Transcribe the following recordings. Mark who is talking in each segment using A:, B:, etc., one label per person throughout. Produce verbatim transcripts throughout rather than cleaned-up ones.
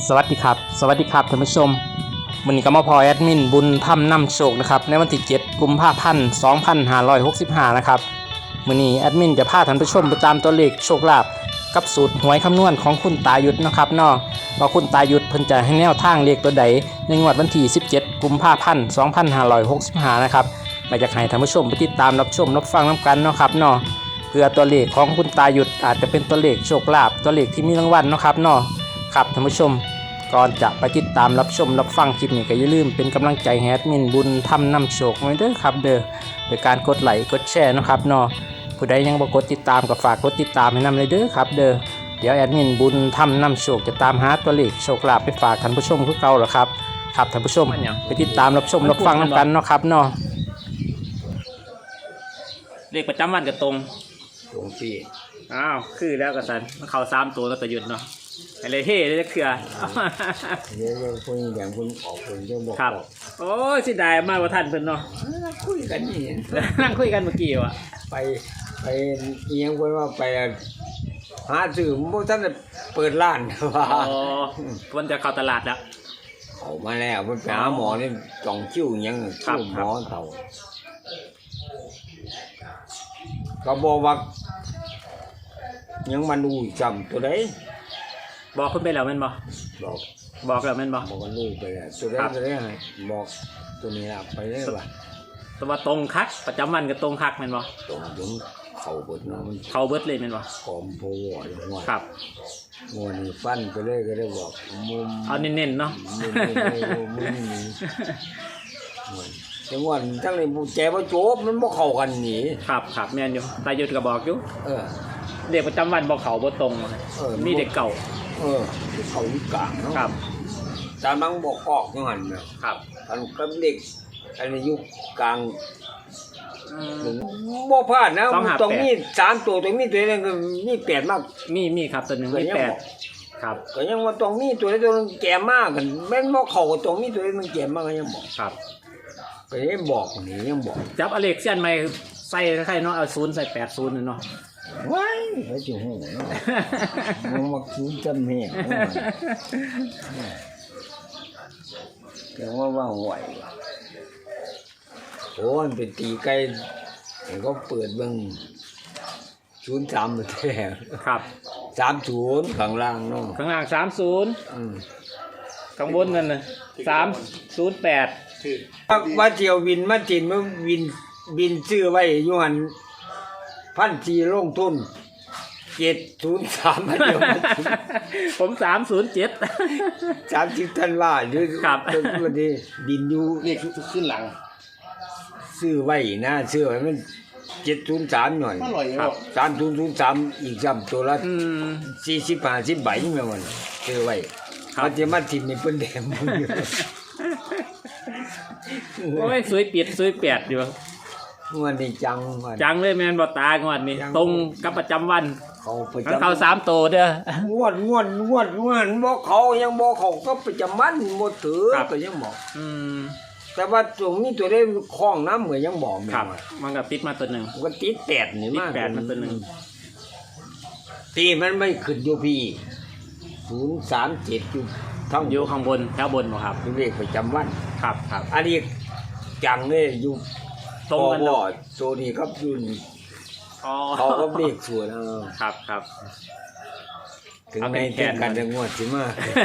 A: สวัสดีครับสวัสดีครับท่านผู้ชมวันนี้ก็มาพอแอดมินบุญธรรมนำโชคนะครับในวันที่เจ็ดกุมภาพันธ์สองพันห้าร้อยหกสิบห้านะครับวันนี้แอดมินจะพาท่านผู้ชมไปตามตัวเลขโชคลาภกับสูตรหวยคำนวณของคุณตายุทธนะครับเนาะว่าคุณตายุทธเพิ่นจะให้แนวทางเลขตัวใดในงวดวันที่สิบเจ็ดกุมภาพันธ์สองพันห้าร้อยหกสิบห้านะครับมาจากให้ท่านผู้ชมไปติดตามรับชมรับฟังน้ำกันเนาะครับเนาะเพื่อตัวเลขของคุณตายุทธอาจจะเป็นตัวเลขโชคลาภตัวเลขที่มีรางวัลเนาะครับเนาะครับท่านผู้ชมก่อนจะไปติดตามรับชมรับฟังคลิปนี้ก็อย่าลืมเป็นกำลังใจให้แอดมินบุญทำนำโชคไว้เด้อครับเด้อโดยการกดไลค์กดแชร์นะครับเนาะผู้ใดยังบ่กดติดตามก็ฝากกดติดตามให้นำเลยเด้อครับเด้อเดี๋ยวแอดมินบุญทำนำโชคจะตามหาตัวเลขโชคลาภไปฝากท่านผู้ชมคือเก่าหรอครับครับท่านผู้ชมไปติดตามรับชมรับฟังนำกันเนาะครับเนาะเลขประจำวันก็ตรง
B: ตรงที่
A: อ้าวคือแล้วก็สันมันเข้าสามตัวแล้วก็หยุดเนาะอะไรเท่เลยเถื่อ
B: เดี๋ยวคนอย่างคนออกคนจะบอก
A: ครับโอ้ยสิได้มากกว่าท่านเพิ่นเนาะ
B: คุยกันนี่
A: นั่งคุยกันเมื่อกี้ว่ะ
B: ไปไปเอียงคนว่าไปหาซื้อพวกท่านเปิดร้านว่า
A: อ๋อเพิ่นจะเข้าตลาดแล้ว
B: เอามาแล้วเพิ่นไปหาหมอนี่จ่องคิ้วยังคิ้วหมอเต่าก็บอกว่ายังมาดูจำตัวใด
A: บอกคุณไปแล้วแม่นบ่
B: บอก
A: บอกแล้วแม่นบ่
B: บอกกันลูกไปแล้วตัวใดตัวใดบอกตัวนี้ละไปได้ป่ะ
A: ตัวตรงคักประจำวันก็ตรงคักแม่นบ่
B: ตรงถึงเข่าเบิดเนาะมัน
A: เข่าเบิดเลยแม่นบ่
B: กอมโพวออย่างว่า
A: ครับ
B: งัวนี่ฟันไปเลยก็ได้บอกมุม
A: เอาเน้นๆเนาะ
B: มุมมุมนี้จังหวะทั้งนี้ผู้แจบ่โจบมันบ่เข้ากันนี่
A: ครับครับแม่นอยู่ตายุทธก็บอกอยู่
B: เออ
A: เด็กประจำวันบ่เข้าบ่ตรงมีเด็กเก่า
B: เออเขาอยู่กลางเนาะ
A: ครับ
B: ตามบังบอกออกจังหั่นน่ะ
A: ครับ
B: อันกับเด็กอันนี้อยู่กลางบ่พลาดนะต้องมีสามตัวต้องมีตัวนึงก็มีแปดมาก
A: มีมีครับตัวนึงมีแปดครับ
B: ก็ยังว่าต้องมีตัวใดตัวนึงแก่มากกันแม่นบ่เข้าก็ต้องมีตัวใดมันแก่มากก็ยังบอก
A: ครับ
B: ก็ยังบอกนี่ยังบอก
A: จับอเล็กเซียนใหม่ใส่ใครเนาะเอาศูนย์ใส่แปดศูนย์เนาะ
B: ว้ายไอ้เจ้าหูเนาะมันมักศูนย์จำแม่แต่ว่าว่าไหวโอ้มันเป็นตีไก่ก็เปิดเบิ่งศูนย์สามแท้
A: ครับ
B: สามศูนย์ข้างล่างเนาะ
A: ข้างล่างสามศูนย์
B: อืม
A: ข้างบนนั่นน่ะสามศูนย์แปด
B: ว่าเที่ยววินมาจินมาวินบินซื้อไว้อยู่หั่นพันสี่ลงทุนเจ็ดศูนย์สามมาเดียว
A: ผมสามศูนย์เจ็ด
B: สามสิบธันวาอยู่
A: ครับ
B: วันนี้บินอยู่
A: นี่ขึ้นหลัง
B: ซื้อไว้นะซื้อไว้มันเจ็ดศูนย์สามหน่อย
A: ครับ
B: สามศูนย์ศูนย์สามอีกจำตัวละสี่สิบห้าสิบใบนี่แม่วันซื้อไว้มันจะมาถิ่มในเปิ้นแดงมึงอยู่
A: โอ้ยสวยเปียดสวยแปดอยู่
B: งวดนี้จัง
A: จังเลยแม่นบ่ตางวดนี้ตรงกับประจำวัน
B: เขาประ
A: จำเขาสามโตเด้อง
B: วดงวดงวดงวดบ่เขายังบ่เขาก็ประจำวันบ่ถือก็ยังบอก
A: อืม
B: แต่ว่าตรงนี้ตัวได้คล้องน้ำเหมือนยังบอกแม่
A: ว่ามันก็ติดมาตัวนึง
B: มันก็ติดแปดนี่มาก
A: ติดแปดมันตัวนึง
B: ตีมันไม่ขึ้นอยู่พี่ศูนย์สามเจ็ดอยู่
A: ทั้งอยู่ข้างบนแถวบนบ่ครับ
B: เลขประจำวัน
A: ครับครับ
B: อันนี้จังเลยอยู่
A: ตรงกันเนาะ
B: โซนี่ครับอยู่นี่
A: อ๋อ
B: เขาก็เลขสวยนะ
A: ครับครับ
B: ถึงในแข่งกันงวดสิมา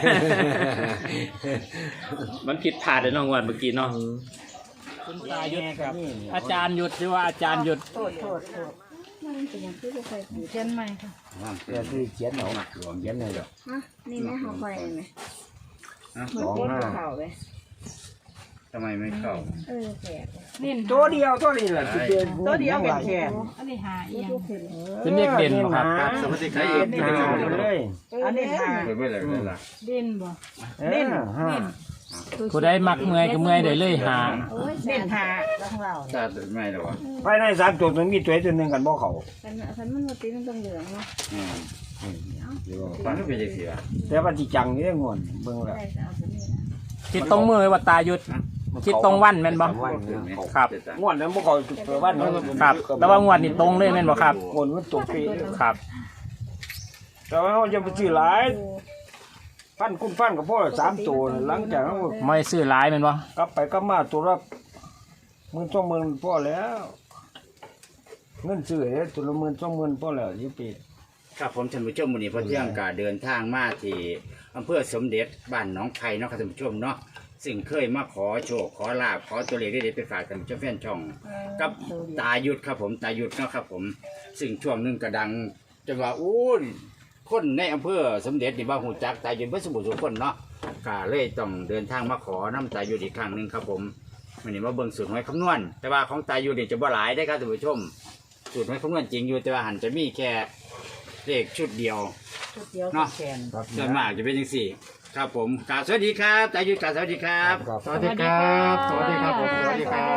A: มันผิดพลาดเลยน้องงวดเมื่อกี้เนาะคุณตายุทธครับอาจารย์ยุทธหรือว่าอาจารย์ยุทธ
C: โทษโทษโทษมันเป็นอย่างที่จะใส่หูเช่นไหมค่ะ
B: เพื่อที่เขียนเอาหลวงเขียนเลยหรอ
C: ฮะนี่แม่เขาคอยไหมสองห้าเข่าไป
A: ทำไมไม่เข้า
C: เออแขก
B: ตัวเดียวตัวนี้แหละ
C: ตัวเดียวเป็นแขกอันนี้หาอีก
A: เป็นเลขเด่นครับ
B: สวัสดีครับเด่นเลย
C: อันนี้หาเด่นบ่เด่นเด่น
A: ผู้ได้มักเมื่อยก็เมื่อยได้เลยหา
C: เด่นหาของเรา
A: จะไม่หรอวะ
B: ภายในสามตัวมันมีตัวตัวหนึ่งกันบ่เขา
C: คันคันมันมาตีมันต้องเหลืองเนาะ
A: อืมฟันก็เป็นยังไง
B: แต่ว่าที่จังนี่งอนเบิ่งแล้ว
A: คิดตรงมือว่าตายุทธคิดตรงวันแม่นบ่ครับ
B: งวดนั้นบ่เขาเปิดวัน
A: ครับแต่ว่างวดนี่ตรงเลยแม่นบ่ครับ
B: งวดมันตรงปี
A: ครับ
B: แต่ว่าเขาจะไปซื้อหลายฟันคุณฟันกับพ่อสามตัวหลังจากนั้น
A: ไม่ซื้อหลายแม่นบ่
B: กลับไปก็มาตัวละหมื่นสองหมื่นพ่อแล้วเงินซื้อเนี่ยตัวละหมื่นสองหมื่นพ่อแล้วยี่ปี
D: ครับผมท่านผู้ชมวันนี้พอเที่ยงกาเดินทางมาที่อำเภอสมเด็จบ้านหนองไผ่เนาะครับท่านผู้ชมเนาะซึ่งเคยมาขอโชคขอลาบขอตัวเลขได้ไปฝากกันเจ้าแฟนช่อง กับตายุทธครับผมตายุทธเนาะครับผมซึ่งช่วงหนึงกระดังจนว่าอู้ยคนในอำเภอสมเด็จนี่บ้าหูจักตายุทธเพื่อสมบูรณ์ทุกคนเนาะก็เลยต้องเดินทางมาขอน้ำตายุทธอีกครั้งหนึ่งครับผมวันนี้มาเบิ่งสูตรหวยคำนวณแต่ว่าของตายุทธนี่จะบ่หลายได้ครับท่านผู้ชมสูตรหวยคำนวณจริงอยู่แต่ว่าหันจะมีแค่เลขชุดเดียวเนาะส่วนมากจะเป็นอย่างสี่ครับผมกราบสวัสดีครับตายุทธกราบสวัสดีครับ
B: ครับ
C: สวัสดีครับสวัสดีครับผมสวัสดีครับ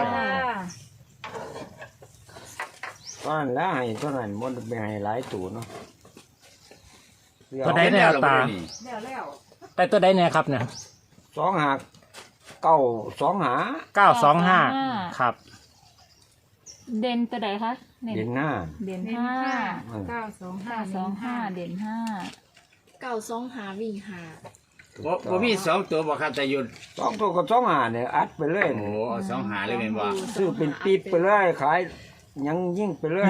B: ตอนนั้นแล้วให้เท่านั้นมันไปให้หลายตัวเนาะ
A: ตัวใดเนี่ยตาแต่ตัวใดเนี่ยครับเนี่ย
B: สองหักเก้าสองหา
A: เก้าสองห้าครับ
E: เด่นตัวใดคะเด่น
B: เด่นหน้า
E: เด่น
F: เด่น
E: ห้า
F: ห้า
B: อืม
F: เก้าสองห้า
E: ห้าสองห้าเด่นห้า
F: เก้าสองหาวิ่งหา
D: บ่บ่มีสองตัวบอกครับตายุทธ
B: สองตัวกับสองหาเนี่ยอัดไปเลย
D: โอ้โหเอาสองหาเลยเป็นว่า
B: ซื้อเป็นปีบไปเลยขายยังยิ่งไปเลย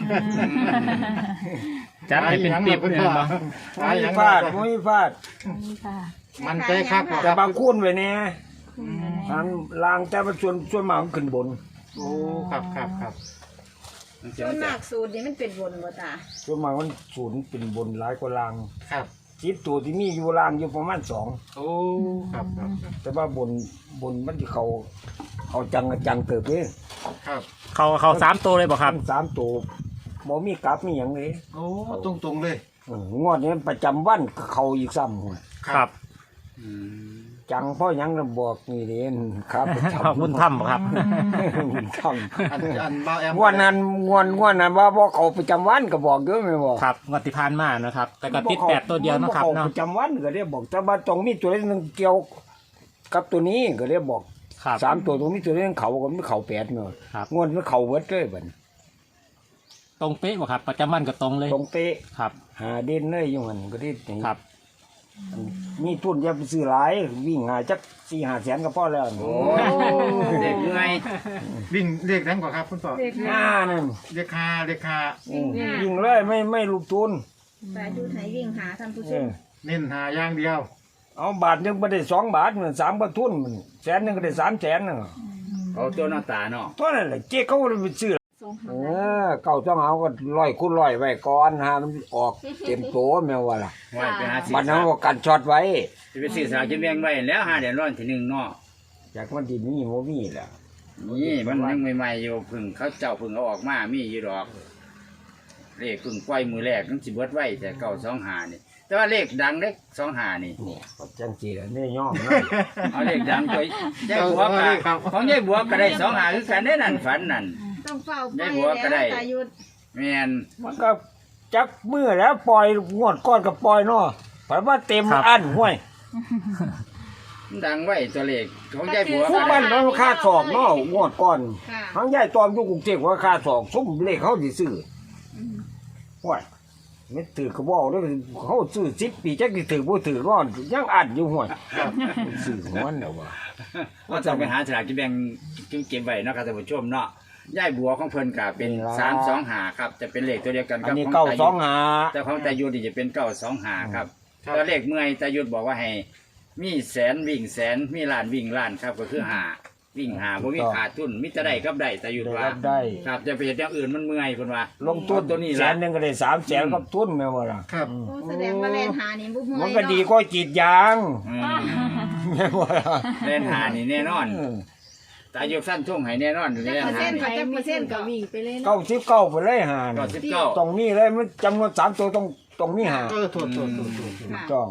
A: จัดให้เป็นปิ๊บเนี่ยบ่
B: ไม่ฟาดไม่ฟาด
E: นี่ค่ะ
C: มันใจครับ
B: แต่บางคุ้นไว้เนี่ยทางลางแต่ว่าส่วนส่วนมากมันขึ้นบน
C: โอ้ครับครับครับ
F: ส่วนมากสูตรนี้มันเป็นบนบ่ตา
B: ส่วนมากมันศูนย์เป็นบนหลายกว่าลาง
C: ครับ
B: จิตตัวที่มีอยู่ลางอยู่ประมาณสอง
C: โอ้ครับครับครับ
B: แต่ว่าบนบนมันจะเขาเขาจังจังเติบเลย
C: ครับ
A: เขาเขาสามตัวเลยบ่ครับ
B: สามตัวบ่มีกลับมีอย่างเลย
C: โอ้ตรงตรงๆเลย
B: เอองวดนี้ประจำวันเขาอีกซ้ำหัว
A: ครับ
D: อืม
B: จังพ่อยังระบอกนี่เด่นครับประจำ
A: ขอบคุณถ้ำบ่ครับ
B: บุญท
C: อันอันบ้าแอม
B: ำงวดนั้นงวดงวดนั้นว่าบ่เขาประจำวันก็บอกเยอะไม่บอก
A: ครับงวดที่ผ่านมานะครับ แต่ก็ติดแปดตัวเดียวนะครับ
B: บ่
A: เนาะ
B: เขาประจำวันก็เรียกบอกแต่ว่าตรงมีตัวนึงเกี่ยวกับตัวนี้ก็เรียกบอก
A: ครับ
B: สามตัวตรงนี้ตัวนึงเขาก็ไม่เขาแปดเนาะ
A: ครับ
B: งวดมันเขาเวิร์ดเลยบัดนี้
A: ตรงเป๊ะบ่ครับ ประจำวันก็ตรงเลย
B: ตรงเป๊ะ
A: ครับ
B: หาเด่นเลยอยู่หันก็ได้นี่
A: ครับ
B: มีทุนอย่าไปซื้อหลายวิ่งหาจักสี่หาแสนก็พอแล้ว
D: โอ้เด็กเหนื่อย
C: วิ่งเรียกแรงกว่าครับคุณพ่อ
F: เด็ก
B: หน้านั่น
C: เรียกคาเรียกคา
B: อืมวิ่งเลยไม่ไม่ลูกทุน
F: ตาดูไถวิ่งหาท่านผู้ช
B: เอ
F: ม
B: อ
C: เน้นหาอย่างเดียว
B: เอาบาทหนึงไปได้สองบาทเหมือนสามกระทุนมันแสนหนึงก็ได้สามแสนน่ะ
D: เอาตัวหน้าตาเนาะ
B: ตัวนั้นแหละเจ๊เขาเลยไปซื้อ
F: สองหา
B: เออเก่าต้องเอาก็ร้อยคูณร้อยไว้ก่อนหามันออกเต็มโตแม่ว่าล่ะ
D: ไว้ไปหาซื้อ
B: บัดนั้นก็กันช็อตไว้
D: จะไปซื้อสลากกินแบ่งไว้แล้วหาเดือนร้อนทีหนึ่งเนาะ
B: จากมันดินนี่โมมีแหละ
D: นี่มันยังใหม่ๆอยู่เพึ่งเขาเจ้าเพึ่งเอาออกมามีอยู่ดอกเลขเพึ่งปล่อยมือแรกนั่นสิเบิดไว้แต่เก่าสองหานี่แต่ว่าเลขดังเลขสองหานี่
B: นี่ก็จังสีแหละนี่ย่อมนะ
D: เอาเลขดังตัวยายบัวก็ของยายบัวก็ได้สองหาคือกันได้นั่นฝันนั่น
F: ต้องเฝ้าไป
D: ได้หัวก็ได้
F: แล้วตายุทธ
D: แม่น
B: มันก็จักมือแล้วปล่อยงวดก้อนกับปล่อยเนาะเพราะว่าเต็ม
A: ครับ
B: อันห้วย
D: มันดังไว้ตัวเลขของยายบัว
B: ทุ
D: ก็
B: ก
D: ได้
B: บ้านมันค่าสอกเนาะงวดก่อน
F: ค่ะ
B: ทั้งยายตอมอยู่กรุงเทพว่าค่าสอกซุ้มเลขเขาสิซื้อห้วยไม่ถือกระบอกเลยเขาซื้อสิบปีจักสิถือบ่ถือร้อนยังอันอยู่ห้วยซื้อหัวเนาะว่า
D: ว่าจะไปหาสลากกินแบ่งเก็บไว้เนาะครับท่านผู้ชมเนาะยายบัวของเพิ่นก็เป็นสามสองหาครับจะเป็นเลขตัวเดียวกัน
B: อั
D: กัน บ
B: นี้
D: ของ
B: เก้า
D: ตา
B: ส
D: ยุ
B: อ
D: ท
B: ง
D: ธ
B: หา
D: แต่ของตายุทธนี่จะเป็นเก้าสองหาครับตัวเลขเมื่อยตายุทธบอกว่าให้มีแสนวิ่งแสนมีล้านวิ่งล้านครับก็คือหาวิ่งหาบ่มีขาดทุนมิจะได้ครับได้ตายุทธ
B: ได้
D: ว่า
B: รับได้
D: ครับจะไปเฮ็ดอย่างอื่นมันเมื่อยเพิ่นว่า
B: ลงทุน
D: ตัวนี้
B: แส
D: ละ
B: นหนึงก็ได้สามแสนกับทุนแม่ว่าล่ะ
C: ครับ
B: อืม
F: โอ้แสดงว่าแลนหานี่บุ้ม
B: มันก็ดีก็กรีดยาง
D: อืม
B: แม่ว่าล่ะ
D: เล่นหานี่แน่นอน
B: อืม
D: ตายุทธสั้นช่วงให้แน่นอน
F: จัก
D: เล่น
F: เปอร์
D: หา
F: เซ็นต์
D: นี่
F: กับจักเปอร์เซ็นต์กับวิ่งไปเลย
B: เก้า
F: เนาะ
B: สิบเก้าไปเลยหา
D: ก็
B: นี่
D: สิบเก้า
B: ตรงนี้เลยมันจำนวนสามตัวตรงตรงนี้หา
C: เออโทษโทษโทษโทษ
B: ถูกต้อง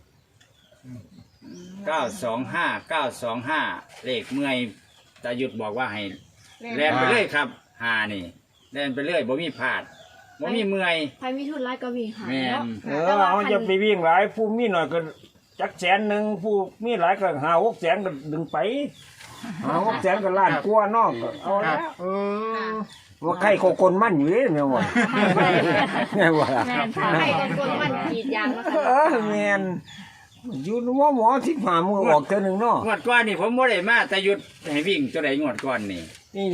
D: เก้าสองห้าเก้าสองห้าเลขเมื่อยตายุทธบอกว่าให้แล่นไปเลยครับหานี่แล่นไปเลยบ่มีพลาดบ่มีเมื่อย
F: ใครมีทุนร้ายก็วิ่งหา
D: แม่น
F: เนาะ
B: เออเอาจะไปวิ่งหลายผู้มีหน่อยก็จักแสนหนึ่งผู้มีหลายก็หาหกแสนก็ดึงไปหาหกแสนก็ล้านกลัวน้องก็เอา
C: ครั
B: ละ
C: บเออ
B: ว่าใครโกคนมั่นอยู่เลยแม่ว่าแม่ว่า
E: แม่นค่ะ
F: ใครก็คนมันกรีดยางแล้ว
B: เอ
F: ค่ะ
B: อแม่นอยู่หมอหมอสิบห้ามือออกเท่านึงเนาะ
D: งวดก่อนนี่ผมบ่ได้มาแต่หยุดให้วิ่งตัวใดงวดก่อนนี่
B: นี่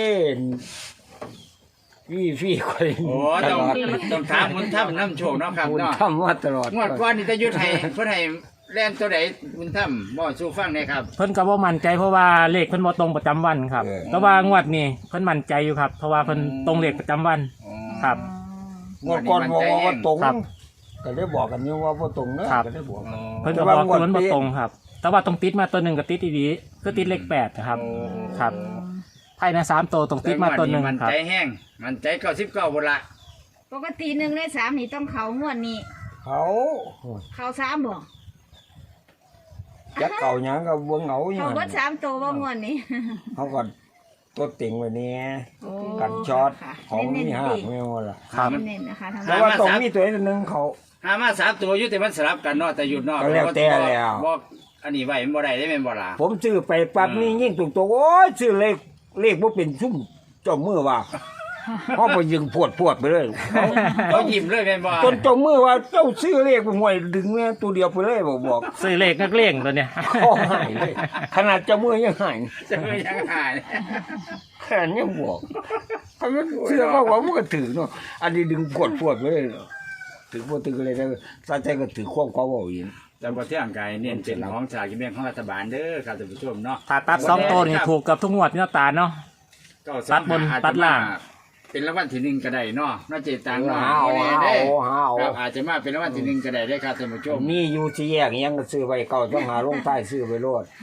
B: นี่พี่พี่คน
D: โอ้ต้องต้องถามบุญธรรมนำโชคเนาะครับ
B: คุณ
D: เนาะ
B: ทำมาตลอด
D: งวดก่อนนี่แต่หยุดให้เพิ่นให้แล่นตัวใดบุญธรรมบ่สู้ฟังได้ครับ
A: เพิ่นก็บ่มั่นใจเพราะว่าเลขเพิ่นบ่ตรงประจำวันครับ แต่ว่างวดนี้เพิ่นมั่นใจอยู่ครับ เพราะว่าเพิ่นตรงเลขประจำวัน
D: อ๋อ
A: ครับ
B: งวดก่อนบอกว่าตรง
A: ครับ
B: ก็ได้บอกกันอยู่ว่าบ่ตรงเนอะ
A: ครับ
B: ก็ได้บอก
D: อ๋อ
A: เพิ่นก็บอกว่ามันบ่ตรงครับ แต่ว่าตรงติดมาตัวหนึงก็ติดดีๆคือติดเลขแปดนะครับ ครับภายในสามตัวตรงติดมาตัวหนึง
D: มัน
A: ครับ
D: ใจแห้งมันใจเก้าสิบเก้าบ่ละ
F: ปกติหนึ่งในสามนี่ต้องเขางวดนี้
B: เขา
F: เขาสามบ่
B: จักเก่าหยังก็บ่เหงาหยั
F: เขา
B: ง
F: เบิดสามตัวบ่งวดนี้
B: เขาก็ตัวติ่งไว้เนี่ย
F: โอ้
B: กันช็อต
F: ค่ะ
B: ของมี
F: เน้น
B: ห้า
F: ๆ
B: ก
F: ดิ
B: ไม่ว่าล่ะ
A: ครับ
F: เน้นๆนะคะทาง
B: แต่ว่าต้องมีตัวหนึงเขา
D: หามาสามตัวอยู่แต่มันสลับกันเนาะแต่หยุดเนาะ
B: ก็แล้วแต่แล้ว
D: บอกอันนี้ไว้มันบ่ได้ได้แม่นบ่ล่ะ
B: ผมซื้อไปปั๊บนี่ยิ่งตุกตัวโอ้ยซื้อเลขเลขบ่เป็นซุ่มเจ้ามือว่าเฮาไปยิงพวดพวดไปเลย
D: เขายิ้มเลยแม่นบ่
B: จนเจ้ามือว่าเจ้าซื้อเลขไปห่วยดึงแม่ตัวเดียวไปเลยบอกบอก
A: ซื้อเลขนักเลงตัวเนี้ย
B: ข้อหายเลยขนาดเจ้ามือยังหาย
D: จะไม่ยังหาย
B: แค่นี้ยังบอกถ้ามันเสื้อก็ว่ามันก็ถือเนาะอันนี้ดึงกดพวดไปเลยเนาะถือพวดถืออะไรได้ซาใจก็ถือควบเขาเอาอีก
D: แต่บ่เที่ยงกายเน้นเป็นของสลากกินแบ่งของรัฐบาลเด้อครับท่านผู้ชมเนาะ
A: ถ้าตัดสองตัวนี่ถูกกับทุกงวดนี่เนาะตาเนาะ
D: ก็ส
A: ตัดบน
D: อาจจะ
A: ตัดล่าง
D: มเป็นรางวัลที่หนึ่งก็ได้เนาะน่าเจตังเนาะ
B: หาเอา
D: บ่
B: หา
D: แน่
B: เอา
D: เด้
B: หาเอา
D: ครับอาจจะมาเป็นรางวัลที่หนึ่งก็ได้ได้อครับท่านผู้ชม
B: มีอยู่ที่แยกยังก็ซื้อไว้เก่าต้องหาลงใต้ซื้อไปโลด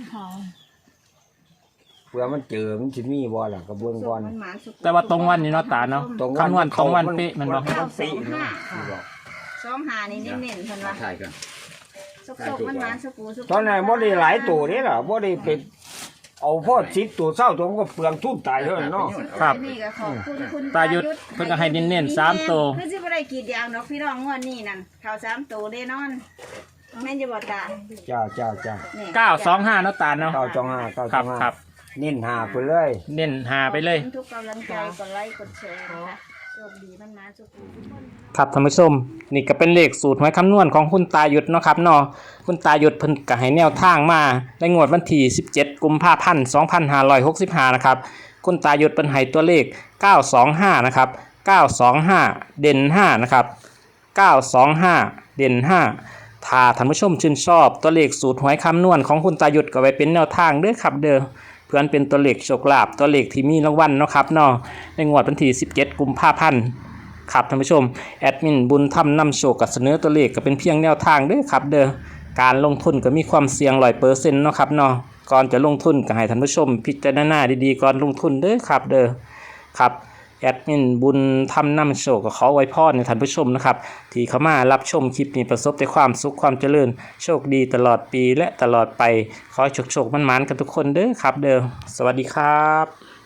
B: เพื่อมันเจอมันสิมีบ่ล่ะกระบวน
F: สุ
B: ก่
F: ก
B: อน
F: มันหมานสุก
A: แต่ว่าตรงวันนี่เนาะตาเนาะ
B: ตรง
A: คำนวณตรงวันเป๊ะแมันบ่
B: มันเป๊ะเนาะ
F: สองหานี่เน้นๆเพิ่นว่า
D: ถ่ายกัน
F: สุกๆมันหมานสุกูสุก
B: ตอนนั้นบ่ได้หลายตัวนี่ล่ะบ่ได้เป็นเอาพอสิบตัวเศร้าตัวมันก็เปลืองทุนตายเท่านั้นเนาะ
A: ครับ
F: นี่ก็ขอบคุณคุณ
A: ตายุทธเพิ่นก็ให้เน้นๆสามตัว
F: คือสิบ่ได้กรีดยางดอกพี่น้องงวดนี้นั่นเขาสามตัวแน่นอนแม่นจะบ่ตา
B: จ้าจ้าจ้า
F: นี่
A: เก้าสองห้าเนาะตาเนาะ
B: เก้าจองห้าเก้า
A: ค
B: จ
A: รั
B: อบ งห้า
A: ครับ
B: เน้นหาไปเลย
A: เน้นหาไปเลย
F: ขอบคุณทุกกำลังใจกดไลค์กดแชร์นะคะโชคดีมันมาสุกูทุกคน
A: ครับท่านผู้ชมนี่ก็เป็นเลขสูตรหวยคำนวณของคุณตายุทธเนาะครับเนาะคุณตายุทธเพิ่นก็ให้แนวทางมาในงวดวันที่สิบเจ็ดกุมภาพันธ์สองพันห้าร้อยหกสิบห้านะครับคุณตายุทธเพิ่นให้ตัวเลขเก้าสองห้านะครับเก้าสองห้าเด่นห้านะครับเก้าสองห้าเด่นห้าถ้าท่านผู้ชมชื่นชอบตัวเลขสูตรหวยคำนวณของคุณตายุทธก็ไว้เป็นแนวทางเด้อครับเด้อเพื่อนเป็นตัวเลขโชคลาภตัวเลขที่มีรางวัลเนาะครับเนาะในงวดวันที่สิบเจ็ดกุมภาพันธ์ ครับท่านผู้ชมแอดมินบุญธรรมนำโชคกับเสนอตัวเลขก็เป็นเพียงแนวทางเด้อครับเด้อการลงทุนก็มีความเสี่ยงร้อยเปอร์เซ็นต์เนาะครับเนาะก่อนจะลงทุนก็ให้ท่านผู้ชมพิจารณาดีๆก่อนลงทุนเด้อครับเด้อครับแอดมินบุญธรรมนำโชคก็ขอไว้พรในท่านผู้ชมนะครับที่เข้ามารับชมคลิปนี้ประสบแต่ความสุขความเจริญโชคดีตลอดปีและตลอดไปขอให้โชคๆมันๆกันทุกคนเด้อครับเด้อสวัสดีครับ